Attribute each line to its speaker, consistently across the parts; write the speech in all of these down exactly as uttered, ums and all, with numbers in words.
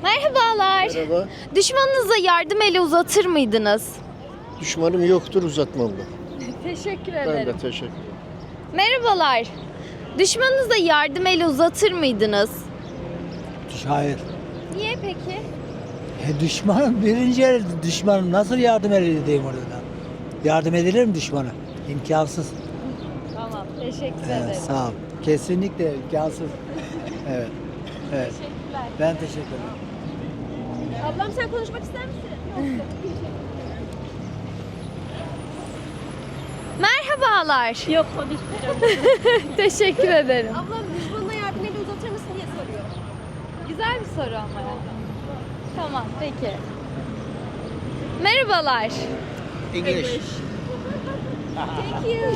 Speaker 1: Merhabalar.
Speaker 2: Merhaba.
Speaker 1: Düşmanınıza yardım eli uzatır mıydınız?
Speaker 2: Düşmanım yoktur, uzatmam da.
Speaker 1: Teşekkür
Speaker 2: Ben
Speaker 1: ederim.
Speaker 2: de teşekkür ederim.
Speaker 1: Merhabalar. Düşmanınıza yardım eli uzatır mıydınız?
Speaker 3: Hayır.
Speaker 1: Niye peki?
Speaker 3: E, düşmanım birinci el düşmanım nasıl yardım edeyim orada? Yardım edilir mi düşmana? İmkansız.
Speaker 1: Tamam. Teşekkür
Speaker 3: Evet,
Speaker 1: ederim.
Speaker 3: sağ ol. Kesinlikle imkansız. evet. Evet.
Speaker 1: Teşekkürler.
Speaker 3: Ben teşekkür ederim.
Speaker 1: Ablam sen konuşmak ister misin? Merhabalar.
Speaker 4: Yok konuşmayacağım.
Speaker 1: Teşekkür ederim.
Speaker 4: Ablam düşmanına yardım eli uzatır mısın diye soruyor.
Speaker 1: Güzel bir soru ama ya. Tamam, peki. Merhabalar.
Speaker 2: English.
Speaker 1: Thank you.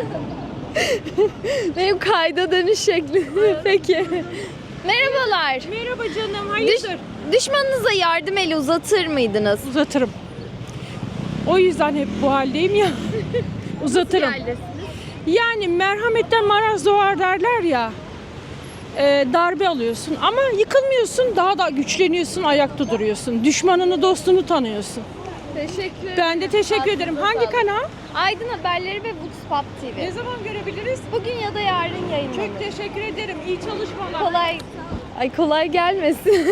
Speaker 1: Benim kayda dönüş şekli. Peki. Merhabalar.
Speaker 4: Merhaba canım,
Speaker 1: Düş-
Speaker 4: hayırdır?
Speaker 1: düşmanınıza yardım eli uzatır mıydınız?
Speaker 4: Uzatırım. O yüzden hep bu haldeyim ya. Uzatırım. Yani merhametten maraz doğar derler ya. e, darbe alıyorsun ama yıkılmıyorsun, daha da güçleniyorsun, ayakta duruyorsun. Düşmanını, dostunu tanıyorsun.
Speaker 1: Teşekkür ederim.
Speaker 4: Ben de teşekkür ederim. Hangi kanal?
Speaker 1: Aydın Haberleri ve Vox T V.
Speaker 4: Ne zaman görebiliriz?
Speaker 1: Bugün ya da yarın yayınlanır.
Speaker 4: Çok teşekkür ederim. İyi çalışmalar.
Speaker 1: Kolay. Ay kolay gelmesin.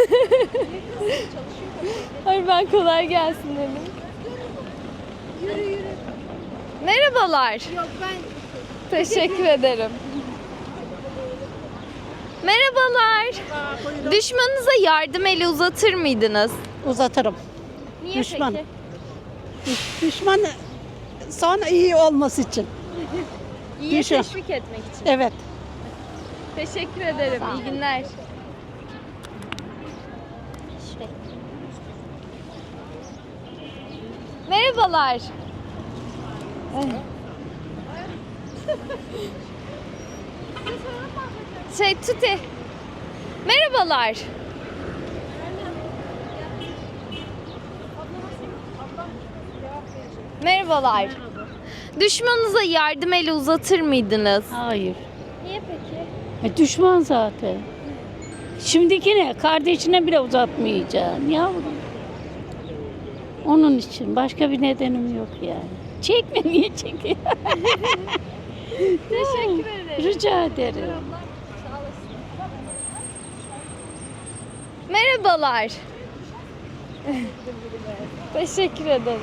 Speaker 1: Hayır ben kolay gelsin dedim.
Speaker 4: Yürü yürü.
Speaker 1: Merhabalar.
Speaker 4: Yok ben
Speaker 1: Teşekkür ederim. Merhabalar. Düşmanınıza yardım eli uzatır mıydınız?
Speaker 5: Uzatırım.
Speaker 1: Niye
Speaker 5: Düşman.
Speaker 1: peki?
Speaker 5: Düşman sonra iyi olması için.
Speaker 1: İyiye
Speaker 5: Düşün.
Speaker 1: teşvik etmek için.
Speaker 5: Evet.
Speaker 1: Teşekkür ederim. İyi günler. Merhabalar. Şey Tuti. Merhabalar. Merhabalar. Düşmanınıza yardım eli uzatır mıydınız?
Speaker 6: Hayır.
Speaker 1: Niye peki?
Speaker 6: E, düşman zaten. Şimdikine, kardeşine bile uzatmayacaksın yavrum. Onun için başka bir nedenim yok yani. Çekme, niye çekiyor?
Speaker 1: Teşekkür ederim.
Speaker 6: Rica ederim.
Speaker 1: Merhabalar. Teşekkür ederim.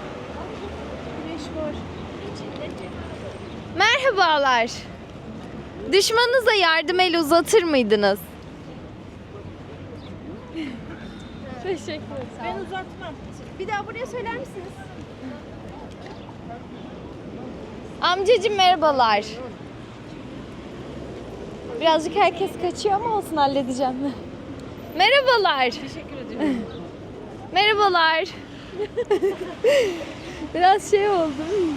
Speaker 1: Merhabalar. Düşmanınıza yardım eli uzatır mıydınız? Teşekkür ederim.
Speaker 4: ben uzatmam. Bir daha buraya söyler misiniz?
Speaker 1: Amcacığım merhabalar. Birazcık herkes kaçıyor ama olsun halledeceğim. Merhabalar.
Speaker 4: Teşekkür ediyorum.
Speaker 1: Merhabalar. Biraz şey oldu.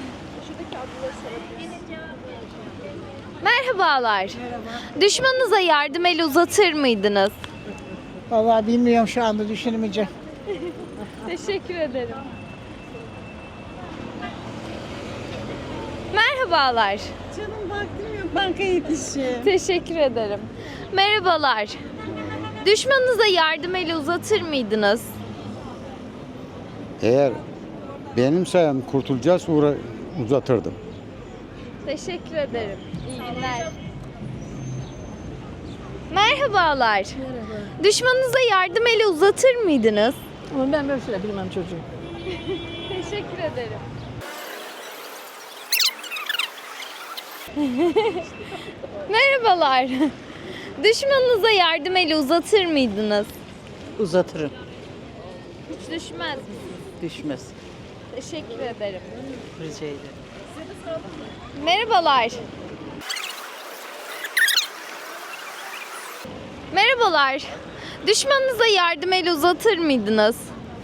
Speaker 1: Merhabalar. Düşmanınıza yardım eli uzatır mıydınız?
Speaker 5: Vallahi bilmiyorum şu anda düşünemeyeceğim.
Speaker 1: Teşekkür ederim. Merhabalar.
Speaker 5: Canım vaktim yok. Bankaya yetişeceğim.
Speaker 1: Teşekkür ederim. Merhabalar. Düşmanınıza yardım eli uzatır mıydınız?
Speaker 7: Eğer benim sayem kurtulacağız uğra uzatırdım.
Speaker 1: Teşekkür ederim. İyi günler. Merhabalar. Merhaba. Düşmanınıza yardım eli uzatır mıydınız?
Speaker 5: Ama ben böyle şeyler bilmem çocuğum.
Speaker 1: Teşekkür ederim. Merhabalar. Düşmanınıza yardım eli uzatır mıydınız?
Speaker 5: Uzatırım.
Speaker 1: Hiç düşmez misiniz?
Speaker 5: Düşmez.
Speaker 1: Teşekkür ederim.
Speaker 5: Rica ederim.
Speaker 1: Merhabalar. Merhabalar. Düşmanınıza yardım eli uzatır mıydınız?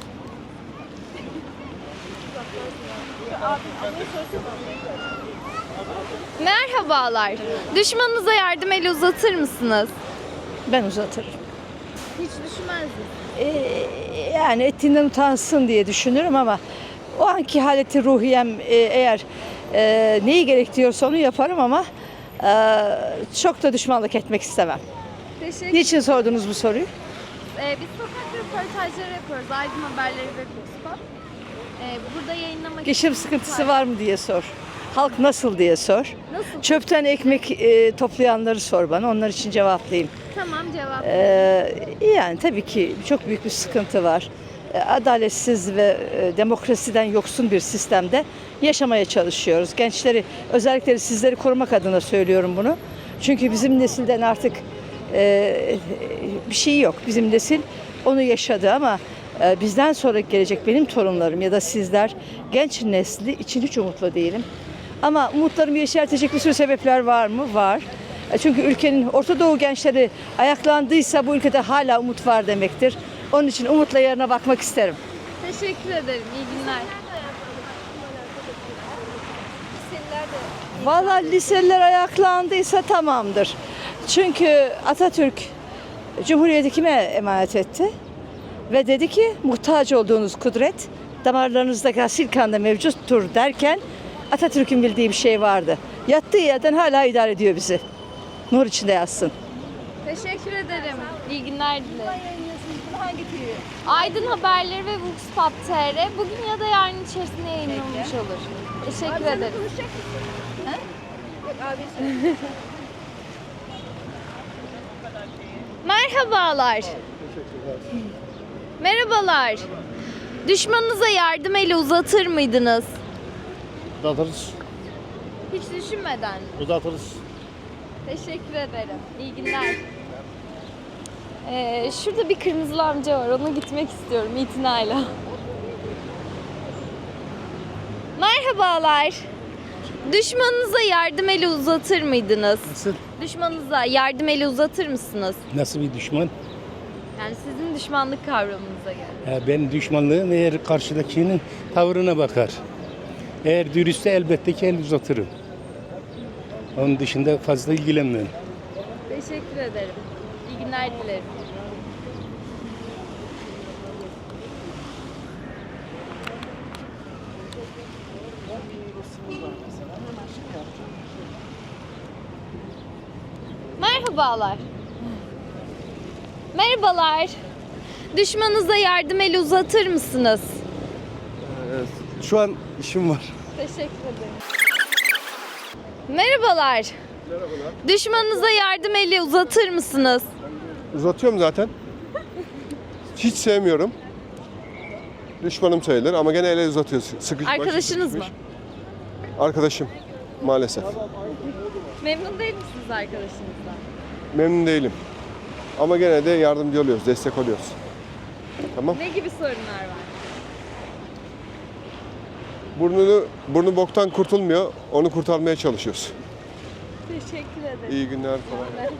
Speaker 1: Merhabalar. Düşmanınıza yardım eli uzatır mısınız?
Speaker 5: Ben uzatırım.
Speaker 1: Hiç düşmez mi?
Speaker 5: Ee, yani etinden utansın diye düşünürüm ama o anki haleti ruhiyem e, eğer e, neyi gerektiriyorsa onu yaparım ama e, çok da düşmanlık etmek istemem.
Speaker 1: Teşekkür
Speaker 5: Niçin sordunuz bu soruyu?
Speaker 1: Ee, biz sokak röportajları yapıyoruz. Aydın Haberleri ve Foxpop. Ee, burada yayınlamak
Speaker 5: Geçim sıkıntısı var mı diye sor. Halk nasıl diye sor.
Speaker 1: Nasıl?
Speaker 5: Çöpten ekmek e, toplayanları sor bana. Onlar için cevaplayayım.
Speaker 1: Tamam, cevap.
Speaker 5: Ee, yani tabii ki çok büyük bir sıkıntı var. Ee, Adaletsiz ve e, demokrasiden yoksun bir sistemde yaşamaya çalışıyoruz. Gençleri, özellikle sizleri korumak adına söylüyorum bunu. Çünkü bizim nesilden artık e, bir şey yok. Bizim nesil onu yaşadı ama e, bizden sonra gelecek benim torunlarım ya da sizler, genç nesli için hiç umutlu değilim. Ama umutlarımı yeşertecek bir sürü sebepler var mı? Var. E, Çünkü ülkenin Orta Doğu gençleri ayaklandıysa bu ülkede hala umut var demektir. Onun için umutla yarına bakmak isterim.
Speaker 1: Teşekkür ederim. İyi günler.
Speaker 5: Vallahi liseliler ayaklandıysa tamamdır. Çünkü Atatürk Cumhuriyeti kime emanet etti? Ve dedi ki muhtaç olduğunuz kudret damarlarınızdaki asil kanda mevcuttur derken Atatürk'ün bildiği bir şey vardı. Yattığı yerden hala idare ediyor bizi. Nur içinde yatsın.
Speaker 1: Teşekkür ederim. İyi günler dilerim. Aydın Haberleri ve Voxpop T R bugün ya da yarın içerisinde yayınlanmış olur. Teşekkür ederim. Merhabalar. Merhabalar. Düşmanınıza yardım eli uzatır mıydınız?
Speaker 2: Uzatırız.
Speaker 1: Hiç düşünmeden.
Speaker 2: Uzatırız.
Speaker 1: Teşekkür ederim. İyi günler. Ee, şurada bir kırmızılı amca var. Ona gitmek istiyorum itinayla. Merhabalar. Düşmanınıza yardım eli uzatır mıydınız?
Speaker 8: Nasıl?
Speaker 1: Düşmanınıza yardım eli uzatır mısınız?
Speaker 8: Nasıl bir düşman?
Speaker 1: Yani sizin düşmanlık kavramınıza göre.
Speaker 8: Ha, ben düşmanlığım eğer karşıdakinin tavrına bakar. Eğer dürüstse elbette ki el uzatırım. Onun dışında fazla ilgilenmem.
Speaker 1: Teşekkür ederim. İyi günler dilerim. Merhabalar. Merhabalar. Düşmanınıza yardım eli uzatır mısınız?
Speaker 7: Şu an işim var.
Speaker 1: Teşekkür ederim. Merhabalar. Merhabalar. Düşmanınıza yardım eli uzatır mısınız?
Speaker 9: Uzatıyorum zaten. Hiç sevmiyorum. Düşmanım sayılır ama gene ele uzatıyoruz. Sıkış,
Speaker 1: Arkadaşınız mı?
Speaker 9: Arkadaşım maalesef.
Speaker 1: Memnun değil misiniz arkadaşınızdan?
Speaker 9: Memnun değilim. Ama gene de yardımcı oluyoruz, destek oluyoruz. Tamam.
Speaker 1: Ne gibi sorunlar var?
Speaker 9: Burnunu, burnu boktan kurtulmuyor. Onu kurtarmaya çalışıyoruz.
Speaker 1: Teşekkür ederim.
Speaker 9: İyi günler falan.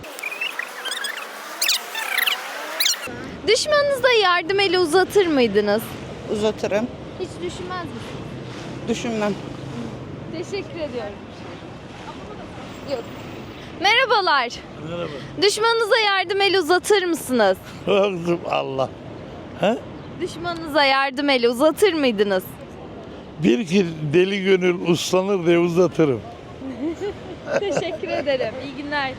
Speaker 1: Düşmanınıza yardım eli uzatır mıydınız?
Speaker 10: Uzatırım.
Speaker 1: Hiç düşünmez misiniz?
Speaker 10: Düşünmem.
Speaker 1: Teşekkür ediyorum. Yok. Merhabalar.
Speaker 11: Merhaba.
Speaker 1: Düşmanınıza yardım eli uzatır mısınız?
Speaker 11: Allah. He?
Speaker 1: Düşmanınıza yardım eli uzatır mıydınız?
Speaker 11: Bir ki deli gönül uslanır diye uzatırım.
Speaker 1: Teşekkür ederim. İyi günler.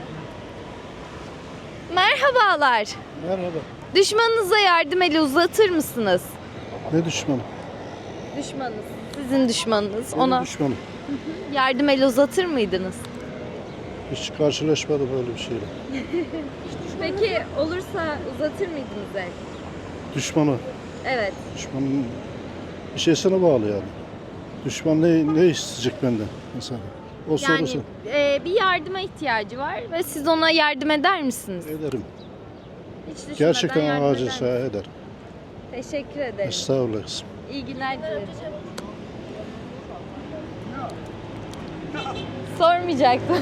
Speaker 1: Merhabalar.
Speaker 7: Merhaba.
Speaker 1: Düşmanınıza yardım eli uzatır mısınız?
Speaker 7: Ne düşmanı?
Speaker 1: Düşmanınız. Sizin düşmanınız. Ona
Speaker 7: düşmanım.
Speaker 1: yardım eli uzatır mıydınız?
Speaker 7: Hiç karşılaşmadım öyle bir şeyle.
Speaker 1: Peki olursa uzatır mıydınız el?
Speaker 7: Düşmanı.
Speaker 1: Evet.
Speaker 7: Düşmanın bir şeysine bağlı yani. Düşman ne, ne isteyecek benden insan? O
Speaker 1: Yani
Speaker 7: sorusu.
Speaker 1: e, bir yardıma ihtiyacı var ve siz ona yardım eder misiniz?
Speaker 7: Ederim.
Speaker 1: Hiç düşünmeden
Speaker 7: Gerçekten
Speaker 1: yardım
Speaker 7: acilse
Speaker 1: eder
Speaker 7: ederim.
Speaker 1: misiniz? Teşekkür ederim.
Speaker 7: Estağfurullah kızım.
Speaker 1: İyi günler dilerim. Sormayacaktım.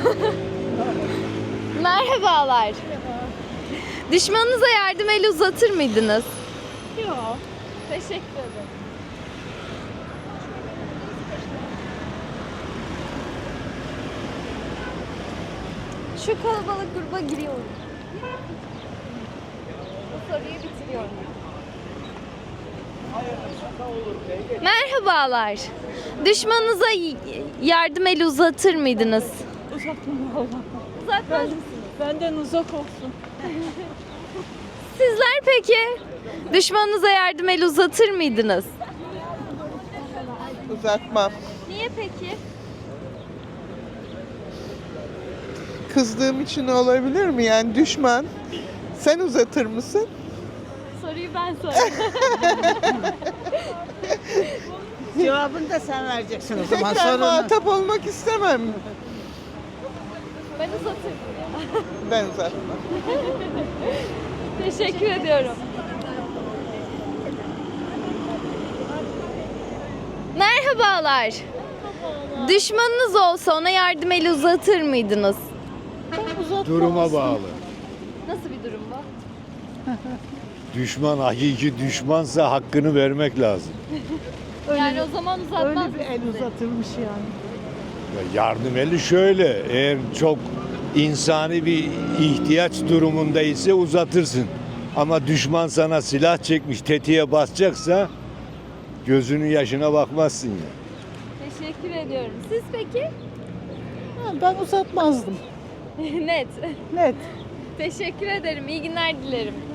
Speaker 1: Merhabalar. Düşmanınıza yardım eli uzatır mıydınız?
Speaker 4: Yok.
Speaker 1: Teşekkür ederim. Şu kalabalık gruba giriyorum. Bu soruyu bitiriyorum. Merhabalar. Düşmanınıza y- yardım eli uzatır mıydınız?
Speaker 4: Uzatmam valla.
Speaker 1: Uzatmaz mısınız?
Speaker 4: Benden uzak olsun.
Speaker 1: Sizler peki? Düşmanınıza yardım eli uzatır mıydınız?
Speaker 10: Uzatmam.
Speaker 1: Niye peki?
Speaker 10: Kızdığım için olabilir mi? Yani düşman. Sen uzatır mısın?
Speaker 1: Soruyu ben sorayım.
Speaker 5: Cevabını da sen vereceksin o zaman
Speaker 10: Ben muhatap olmak istemem.
Speaker 1: Ben uzatırım.
Speaker 10: Ben uzatmam.
Speaker 1: Teşekkür ediyorum. Merhabalar. Düşmanınız olsa ona yardım eli uzatır mıydınız?
Speaker 2: Duruma bağlı.
Speaker 1: Nasıl bir durum bu?
Speaker 2: Düşman hakiki düşmansa hakkını vermek lazım.
Speaker 1: Yani o zaman uzatmaz mısınız?
Speaker 5: uzatılmış yani.
Speaker 2: Ya yardım eli şöyle, eğer çok insani bir ihtiyaç durumundaysa uzatırsın. Ama düşman sana silah çekmiş, tetiğe basacaksa gözünün yaşına bakmazsın ya.
Speaker 1: Teşekkür ediyorum. Siz peki?
Speaker 5: Ben uzatmazdım.
Speaker 1: Net.
Speaker 5: Net.
Speaker 1: Teşekkür ederim. İyi günler dilerim.